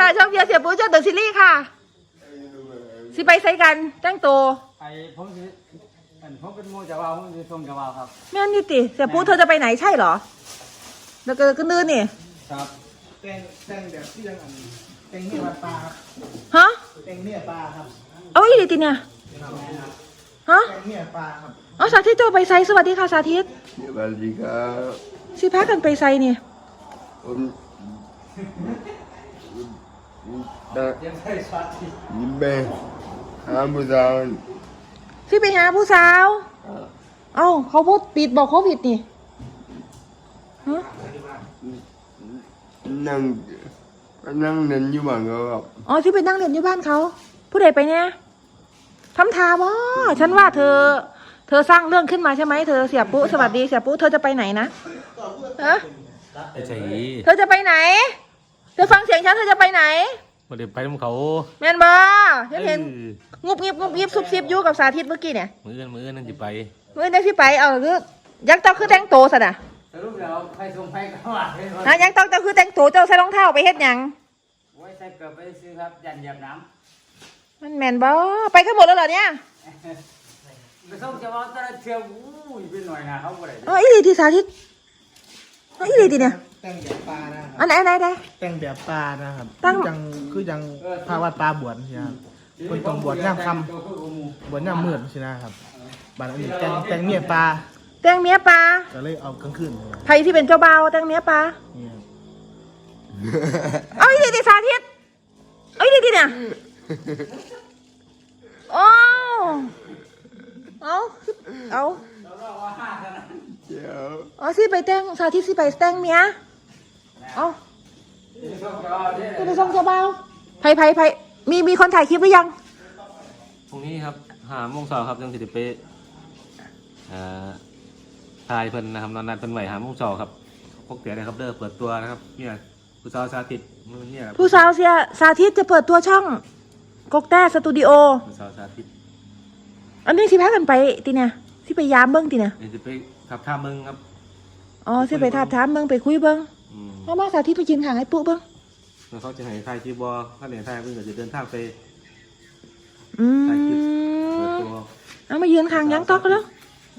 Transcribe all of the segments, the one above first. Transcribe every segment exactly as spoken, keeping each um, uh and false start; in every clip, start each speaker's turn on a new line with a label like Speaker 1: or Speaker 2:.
Speaker 1: ค่ะช่องเบียร์เสียปูเจ้าเดอะซีรีส์ค่ะสิไปใส่กันแต่งตัว
Speaker 2: ไปผมสิอันผมเป็นโมจะว่าผมจะส่งจะว่าครับ
Speaker 1: แม่นี่ติเสียปูเธอจะไปไหนใช่เหรอแล้วก็ก็นื่นนี่
Speaker 2: ครับ
Speaker 3: แต่งแต่งแบบที่ยังอันแต่งเนี่ยปลาครับ
Speaker 1: ฮะ
Speaker 3: แต่งเนี่ยปลาครับ
Speaker 1: เอาอีหลีติเนี่ยฮะ
Speaker 3: แต่งเนี่ยปลาครับ
Speaker 1: อ๋อสาธิตเจ้าไปไซสวัสดีค่ะสาธิต
Speaker 4: สวัสดีครับ
Speaker 1: สิพากันไปไซนี่
Speaker 4: ผม
Speaker 2: ยังใส่ช็อตที่
Speaker 4: ยิ้มไปหาผู้สาว
Speaker 1: สิไปหาผู้สาวเอ้าเขาพูดปิดบอกเขาผิดนี่ฮะ
Speaker 4: นั่งนั่งเล่นอยู่บ้านเขาครับ
Speaker 1: อ๋อที่ไปนั่งเล่นอยู่บ้านเขาผู้ใดไปเนี่ยทำทาบ่ฉันว่าเธอ เธอสร้างเรื่องขึ้นมาใช่ไหมเธอเสียปุ๊สวัสดีเสียปุ๊เธอจะไปไหนนะฮะ
Speaker 2: ใช่
Speaker 1: เธอจะไปไหนเธอฟังเสียงฉันเธอจะไปไหน
Speaker 2: มาเดี๋ยวไปน้ำเขา
Speaker 1: แมนบ่ฉันเห็นงุบงิบงุบงิบซุบซิบอยู่กับสาธิตเมื่อกี้เนี่ย
Speaker 2: มือกันมือนั่นจะไป
Speaker 1: มือนั่นที่ไปเอาคือยังต้องคือแต่งโตซะนะ
Speaker 2: สรุปแล้วใครส่งใครก็ว่า
Speaker 1: ฮะยังต้องจะคือแต่งโตเจ้าใส่รองเท้าไปเฮ็ดหยัง
Speaker 2: ไว้ใส่เกือบไปซื้อครับยันเหยียบน้
Speaker 1: ำมันแมนบ่ไปกันหมดแล้วเหรอเนี่ย
Speaker 2: ไปส่งจะว่าจะเที่ยวอู้ยเป็นหน่อยนะเขาบ่ได้
Speaker 1: อ๋ออีหลีที่สาธิตอ๋ออีหลีที่เนี่ย
Speaker 3: แต่งแบบปลานะครับ
Speaker 1: อันไหนอันไหนได้
Speaker 3: แต่งแบบปลานะครับ
Speaker 1: ตั้ง
Speaker 3: ยังคือยังพาวัดปลาบวชใช่ไหมครับคนต้องบวชย่ามคำบวชย่ามมืดใช่ไหมครับบ้านอันนี้แต่งแต่งเนี่ยปลา
Speaker 1: แต่งเมียปลา
Speaker 3: ก็เลยเอากลางคืน
Speaker 1: ใครที่เป็นเจ้าบ่าวแต่งเมียปลาเอาอีหลีที่สาธิตเอาอีหลีที่เนี่ยโอ้เอาเอาอ๋อสิไปแต่งสาธิตสิไปแต่งเมียเอาสิไปส่งเจ้าบ่าวไผไผไผมีมีคนถ่ายคลิปหรือยัง
Speaker 2: พรุ่งนี้ครับหาโมงสองครับยังสิไปถ่ายเพิ่นนะครับนอนนัดเพิ่นไหวหาโมงสองครับพวกเตี๋ยนะครับเด้อเปิดตัวนะครับเนี่ยผู้สาวสาธิตเนี่ย
Speaker 1: ผู้สาวเสียสาธิตจะเปิดตัวช่องกกแต้สตูดิโอ
Speaker 2: ผู้สาวสาธิต
Speaker 1: อันนี้สิพากันไปตีเนี่ยสิไปยามเบิ้งตีเนี่ย
Speaker 2: จะไปทับท่าเมืองครับ
Speaker 1: อ๋อสิไปทับท่าเมืองไปคุยเบิ้งเพราะว่าสาธิตไปยืนห่างไอ้ปุ๊เบิ้ง
Speaker 2: แล้วเขาจะให้ทายคลิปบอถ้าเหนือทายเพิ่งจะเดินทางไป
Speaker 1: อืมเอามายืนห่างยังตอกแล้ว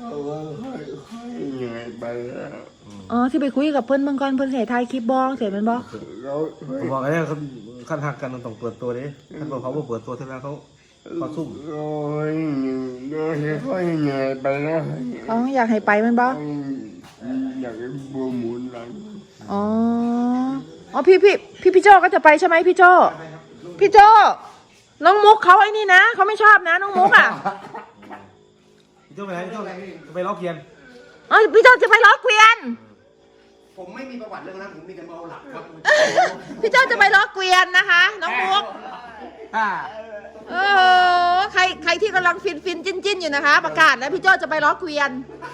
Speaker 1: อ๋อที่ไปคุยกับเพื่อนบางกรเพื่อนเสียทายคลิปบองเสียเป็นบอ
Speaker 2: บอกไอ้เนี่ยเขาขั้นหักกันต้องเปิดตัวดิขั้นบอกเขาว่าเปิดตัวเท่านั้นเขาเขาซุ่ม
Speaker 4: โอ้ยค่อยเหนื่อยไปแล้ว
Speaker 1: อ๋ออยากให้ไปมันบอ
Speaker 4: อยากให้บัวหมุนหลัง
Speaker 1: อ๋ออ๋อพี่พี่พี่พี่โจก็จะไปใช่ไหมพี่โจพี่โจน้องมุกเขาไอ้นี่นะเขาไม่ชอบนะน้องมุกอ่ะ
Speaker 2: พี่โจไปไหนพี่โจจะไปล้อเกียน
Speaker 1: อ๋อพี่โจจะไปล้อเกวียน
Speaker 3: ผมไม่มีประวัติเรื่องนั้นผมมีแต่เมาหลับครับ
Speaker 1: พี่โจจะไปล้อเกวียนนะคะน้องมุกเออใครใครที่กำลังฟินฟินจิ้นจิ้นอยู่นะคะประกาศแล้วพี่โจจะไปล้อเกวียน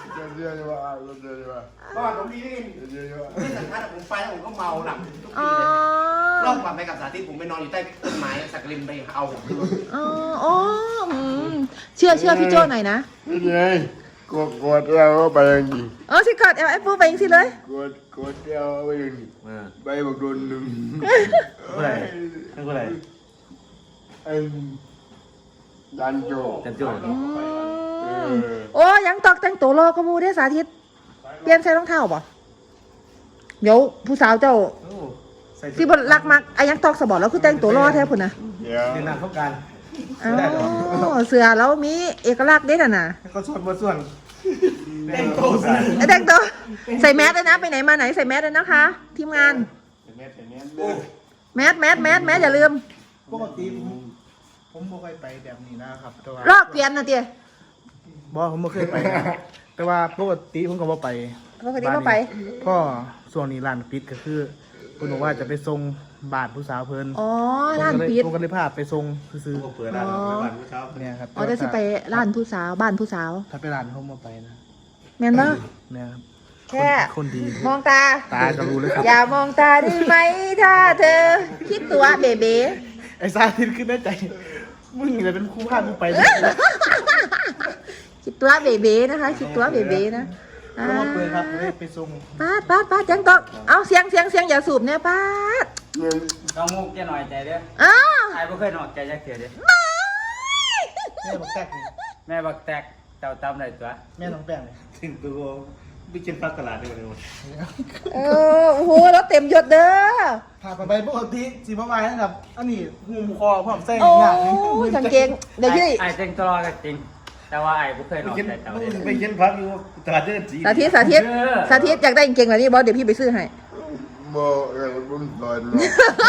Speaker 3: เพราะว่าผมมีนี่ที่สัมภาษณ์ผมไปแล้วผมก็เมาหลับรอบก่อนไปกับสาธิตผมไปนอนอยู่ใต้ต้นไม้สักริมไปเอา
Speaker 1: อ๋ออ๋อเชื่อเชื่อพี่โจหน่อยนะ
Speaker 4: ไงกดกดเราไปอย่างนี้
Speaker 1: อ๋อสิกดเอลเอฟไปอย่างสิเลย
Speaker 4: กดกดเราไปอย่างนี้ไปบอกโดนหนึ่ง
Speaker 2: อะไรนั่นคืออะไร
Speaker 4: อันดันโจ
Speaker 2: ดันโจ
Speaker 1: โอ้ยังตอกแต่งตัวรอก็มูได้สาธิตเปลี่ยนใส่รองเท้าป่ะเดี๋ยวผู้สาวเจ้าที่บนรักมักไอ้ยังตอกสบอแล้วคือแต่งตัวรอแท้พุ่นนะ
Speaker 2: เดี๋ยวนาเข้ากัน
Speaker 1: อ๋อเสือแล้วมีเอกลักษณ์เด็ดน่ะ
Speaker 2: เขาส่วนบนส่วน
Speaker 3: แต่งตัว
Speaker 1: แต่งตัวใส่แมสเลยนะไปไหนมาไหนใส่แมสเลยนะคะทีมงานแมสแมสแมสแมสอย่าลืม
Speaker 3: ปกติผมไม่เคยไปแบบนี้นะครับแต่ว่า
Speaker 1: ลอกเกวียนนะเตี้ย
Speaker 3: บอผมไม่เคยไปแต่ว่าปกติผมก็บ่ไป
Speaker 1: ปกติบ่ไป
Speaker 3: พ่อส่วนนี้ร้านปิดก็คือคุณบอกว่าจะไปส่งบาทผู้สาวเพิ่น
Speaker 1: อ๋อร้านปิด
Speaker 3: ผมก็เลยพาไปส่งซื้อ
Speaker 2: เปิดร้านบ้านผู้สาว
Speaker 3: เนี่ยครับ
Speaker 1: อ๋อจะสิไปร้านผู้สาวบ้านผู้สาว
Speaker 3: ถ้าไปร้านเขามาไปนะ
Speaker 1: แม่นบ่
Speaker 3: เนี่ยครับ
Speaker 1: แค่
Speaker 3: คนดี
Speaker 1: มองตา
Speaker 3: ตาก็รู้เลยครับ
Speaker 1: อย่ามองตาได้ไหมถ้าเธอคิดตัวเบเบ้
Speaker 3: ไอ้ซาทินขึ้นในใจมึงจะเป็นคู่พากูไป
Speaker 1: คิดตัวเบเบ้นะคะคิดตัวเบเบ้นะ
Speaker 3: ก็มาเปิดครับไปส่ง
Speaker 1: ป้าป้าป้าจังตอกเอาเสียงเสียงเสียงอย่าสูบเนี่ยป้า
Speaker 5: ต้องมุกจะหน่อยใจเด้อ
Speaker 1: อ้าว
Speaker 5: ไอ้บ่เคยหน่อยใจจักเถื่อเด้อ
Speaker 6: แม่บักแตกนี่
Speaker 5: แม่บักแตกเจ้าตำได้ตัว
Speaker 6: แม่น้องแป้งนี่
Speaker 2: ถึงตัวไปกินพักตลาดดีกว่าเลย
Speaker 1: เออโอ้โหแล้วเต็มยศเด้อ
Speaker 6: พาไปไปปกติสีบ่ไหวนะครับ อันนี้หูมคอพร้อมใส่
Speaker 1: โอ้
Speaker 6: หน้าย
Speaker 1: กางเกงเดี๋ยวพี่
Speaker 5: ไอ้เต็งตลอดก็จริง แต่ว่าไอ้บ่เคยหน่อยใจเจ้าเด้อ
Speaker 2: ไปกินพักอยู่ตลาดเดินสี
Speaker 1: สาธิตสาธิต
Speaker 5: เออ
Speaker 1: สาธิตอยากได้กางเกงแบบนี้บอสเดี๋ยวพี่ไปซื้อให้
Speaker 4: บอกอะไรผมสอนนะ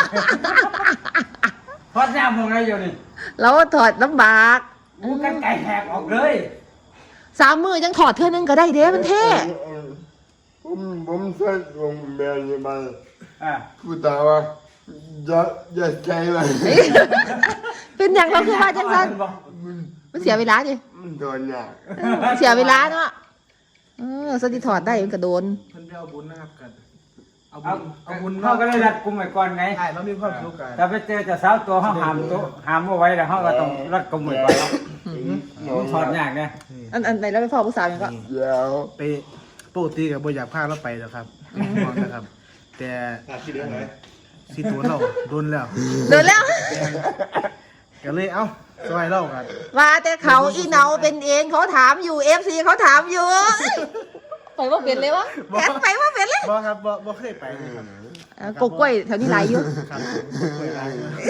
Speaker 5: พอดน้ำมึงไงอยู่นี่
Speaker 1: แล้วถอดลำบาก
Speaker 5: กูกันไก่แหกออกเลย
Speaker 1: สามมือยังถอดเท่านึงก็ได้เด้มันเท่
Speaker 4: ผมผมใส่ลงแม่ยังไง
Speaker 5: อ่ะ
Speaker 4: กูตาว่าอย่าอย่าใจมัน
Speaker 1: เป็นอย่างเราคือว่าจังสันมันเสียเวลาดิ
Speaker 4: มันโดนเนี่ย
Speaker 1: เออเสียเวลาเนาะเออสติถอดได้มันก็โดน
Speaker 6: เพิ่นไปเอาบุญนะครับกันเอา
Speaker 5: เอา
Speaker 6: บุญเอาบุญ
Speaker 5: เขาก็เลยรัดกุมไว้ก่อนไง
Speaker 6: ใช่เรามีความสุขกัน
Speaker 5: ถ้าไปเจอเจะสาวตัวเขาหามตัวหามเอาไว้แล้วเขาก็ต้องรัดกุมไว้ก่อนมันถอดยากเนี่ย
Speaker 1: อันอันไหนเราไปพ่อผู้สาวยังก็
Speaker 4: เดี๋ยว
Speaker 6: ไปปกติกับบ่อยากพาเราไปหรอกครับมองนะครับ แต่
Speaker 2: ขาดที่เดือนไหน
Speaker 6: สิตัวเราโดนแล้ว
Speaker 1: เดินแล้ว
Speaker 6: ก็เลยเอ้าสบายเล่ากัน
Speaker 1: ว่าแต่เขาอีเหนาเป็นเองเขาถามอยู่เอฟซีเขาถามอยู่ไปว่าเป็นเลยวะแกไปว่าเป็นเลย
Speaker 6: บ่ครับบ่บ่เคยไปเลยครับ
Speaker 1: เออกกล้วยแถวนี้หลายอยู่
Speaker 6: ครับเคยไป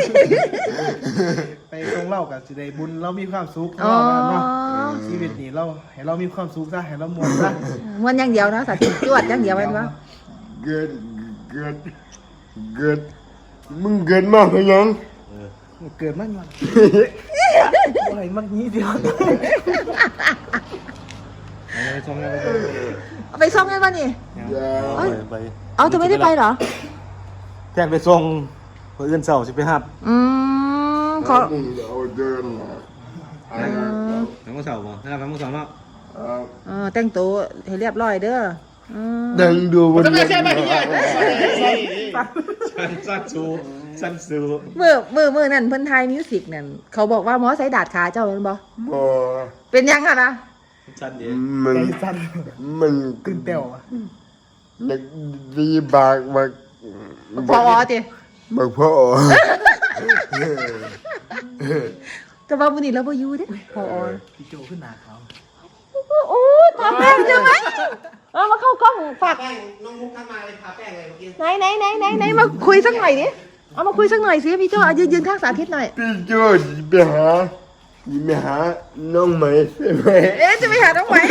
Speaker 6: ไปตรงเล่ากับสิได้บุญเรามีความสุข
Speaker 1: อ๋อ
Speaker 6: เราเนาะชีวิตนี้เราให้เรามีความสุขซะให้เรามวนซะ
Speaker 1: มันอย่างเดียวนะสาธิตจวดอย่างเดียวมันวะ
Speaker 4: เกิดเกิดเกิดมึงเกิดมาเพียง
Speaker 6: เกิดมันมันอะไรมันนี้เดียว
Speaker 2: ไปส่งไป
Speaker 1: เอาไปซ่อมกันวะนี่
Speaker 4: เดี๋ยว
Speaker 2: ไป
Speaker 1: เอาเธอไม่ได้ไปเหรอ
Speaker 2: แจ้งไปส่งเพื่อนเสาร์สิไปหับ
Speaker 1: อืมขอ
Speaker 4: มึงเอาเดินมาไอ้
Speaker 2: ทั้งมื้อเสาร์บ่ถ้าทั้งมื้อเสาร์เนาะ
Speaker 1: เออแต่งตัวให้เรียบร้อยเด้ออืม
Speaker 4: ดังดูบน
Speaker 3: ไม่ใช่ไม่ใช่
Speaker 2: สั้นสั้นสูสั้นสู
Speaker 1: มือมือมือนั่นเพิ่นไทยมิวสิกนั่นเขาบอกว่าหมอใส่ดาดขาเจ้าเป็นบ่
Speaker 4: บ่
Speaker 1: เป็นยังอะนะ
Speaker 2: สั้นเดียว
Speaker 4: มัน
Speaker 6: ใจสั่น
Speaker 4: มัน
Speaker 6: ตื่นเต้วอะ
Speaker 4: เด็กดีบากบัก
Speaker 1: พอติ
Speaker 4: บักพ่อ
Speaker 1: แต่ว่ามื้อนี้เราบ่อยู่เด้พอ
Speaker 6: พี่โจขึ้นหนาเขา
Speaker 1: โอ้ทาแป้งใช่ไหมเอามาเข้ากล้องฝาก
Speaker 3: แป้งน้องมุกทำมาเลยทาแป้งเลยเมื่อกี้
Speaker 1: ไหนไหนไหนไหนไหนมาคุยสักหน่อยดิเอามาคุยสักหน่อยสิพี่โจ้เอายืนยืนข้างสาธิตหน่อย
Speaker 4: พี่โจ้ไปหาไปหาน้องไหมใช่ไหม
Speaker 1: เอ๊ะจะไปหาน้องไหม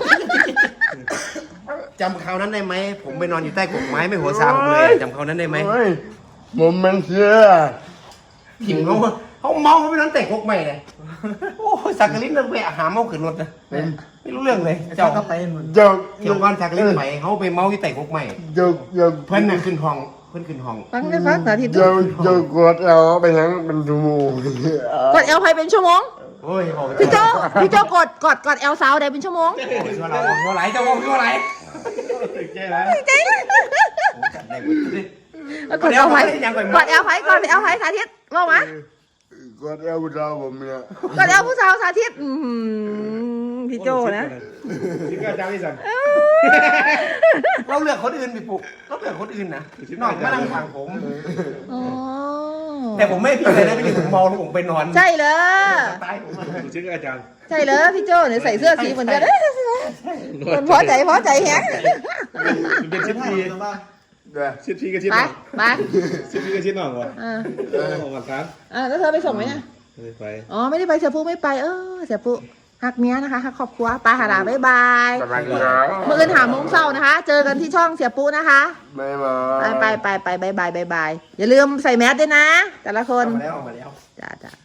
Speaker 3: จำคราวนั้นได้ไหมผมไปนอนอยู่ใต้กกไม้ไม่หัวซาผมเลยจำคราวนั้นได้ไหม
Speaker 4: โอ้ยผมมันเชื่อ
Speaker 3: หิวเขาเขาเมาเขาไปนอนแต่กกไม้เลยโอ้ยสักกะลิ้นนั่นไปหาเมาขึ้นรถนะไม่รู้เรื่องเลย
Speaker 6: เจ้า
Speaker 3: เจ้า
Speaker 6: ก็ไปเหมือน
Speaker 4: เจ้า
Speaker 3: เที่ยวก้อนสักกะลิ้นไปเขาไปเมาอยู่แต่กกไม้
Speaker 4: เจ้าเจ้า
Speaker 3: เพื่อนน่ะขึ้นห้องเพื่อนขึ้นห้อง
Speaker 1: ฟังได้ฟังสาธิต
Speaker 4: เจ้าเจ้ากดเอาไปทั้งเป็นชั่วโมง
Speaker 1: กดเอลไพเป็นชั่วโมง
Speaker 3: โอ้ยโอ้ย
Speaker 1: พี่โจ้พี่โจ้กดกดกดเอลสาวได้เป็นชั่วโมง
Speaker 3: ชัวร์เราชัวร์ไหลเจ้าบอกชัวร์ไหล
Speaker 1: จริง
Speaker 3: จัดได้หมดเลย
Speaker 1: กดเอลไพกดเอลไพกดเอลไพสาธิตบอกมาก
Speaker 4: ดเอาเราผมเนี่ย
Speaker 1: กดเอลผู้สาวสาธิตอืมพี่โจ้นะ
Speaker 2: ที่ก็จ้างที่สั่ง
Speaker 3: เราเลือกคนอื่นพี่ปุ๊กเราเลือกคนอื่นนะนอกมานั่งฟังผม
Speaker 1: อ๋อ
Speaker 3: แต่ผมไม่ผิดเลยนะพี่ผมเมาแล้วผมไปนอน
Speaker 1: ใช่เลย
Speaker 3: ตายผมอะ
Speaker 2: ชื่ออาจารย์
Speaker 1: ใช่เลยพี่โจ้เนี่ยใส่เสื้อสีเหมือนกันมันพอใจพอใจแฮง
Speaker 2: เป็นชิ้นที
Speaker 4: เดี๋ยว
Speaker 2: ชิ้นทีกับชิ้น
Speaker 1: ไป
Speaker 2: หน่อง
Speaker 1: ไป
Speaker 2: ชิ้นทีกับชิ้นหน่องวะ
Speaker 1: อ่า
Speaker 2: โอ้หวานครับ
Speaker 1: อ่าแล้วเธอไปส่งไหมเนี่ย
Speaker 2: ไป
Speaker 1: อ๋อไม่ได้ไปเสียปุ๊ไม่ไปเออเสียปุ๊หักเมียนะคะหักครอบครัวไปหาหลานบ๊ายบาย
Speaker 4: สบายครับ
Speaker 1: เมื่อคืนหาโมงเศร้านะคะ เจอกันที่ช่องเสียปุ๊นะคะ
Speaker 4: ไม่มา
Speaker 1: ไปไปไปไปบายบายบายบายอย่าลืมใส่แมสด้วยนะ แต่ละคน
Speaker 3: เอามาแล้วเอามาแล้ว
Speaker 1: จ้าจ้า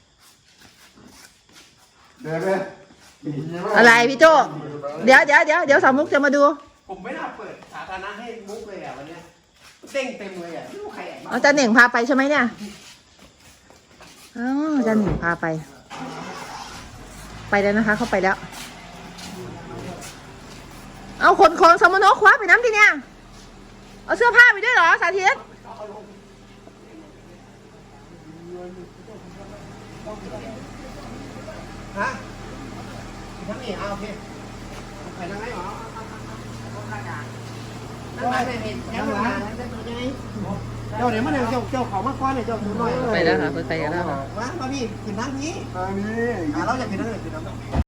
Speaker 4: เดี๋ยวเลย
Speaker 1: อะไรพี่โจเดี๋ยวเดี๋ยวเดี๋ยวเดี๋ยวสามมุกจะมาดู
Speaker 3: ผมไม่น่าเปิดสาธารณะให้มุกเลยอ่ะวันเนี้ยเต้งเต็มเลยอ่ะไม่รู้ใครแอบมา
Speaker 1: อาจารย์เหน่งพาไปใช่ไหมเนี่ยอ๋ออาจารย์เหน่งพาไป ไปแล้วนะคะ เข้าไปแล้ว เอาขนของสมโนคว้าไปน้ำทีเนี่ยเอาเสื้อผ้าไปด้วยเหรอสาธิต
Speaker 3: ฮะทั้งนี้เอาโอเคใครนั่งไหนหรอนั่งไหนไม่เห็นนั่งไหนนั่งตัวยังไงเจ้าเดี๋ยวมาเนี่ยเจ้าเจ้าเขามาก้อนเนี่ยเจ้าดูหน่อย
Speaker 1: ไปแล้วค่ะเพิ่นไปกันแล้วค่ะ
Speaker 3: มามาพี่ขึ้นนั่งนี้
Speaker 4: อันนี้
Speaker 3: อ่าเราอยากขึ้นนั่งเลยขึ้นนั่ง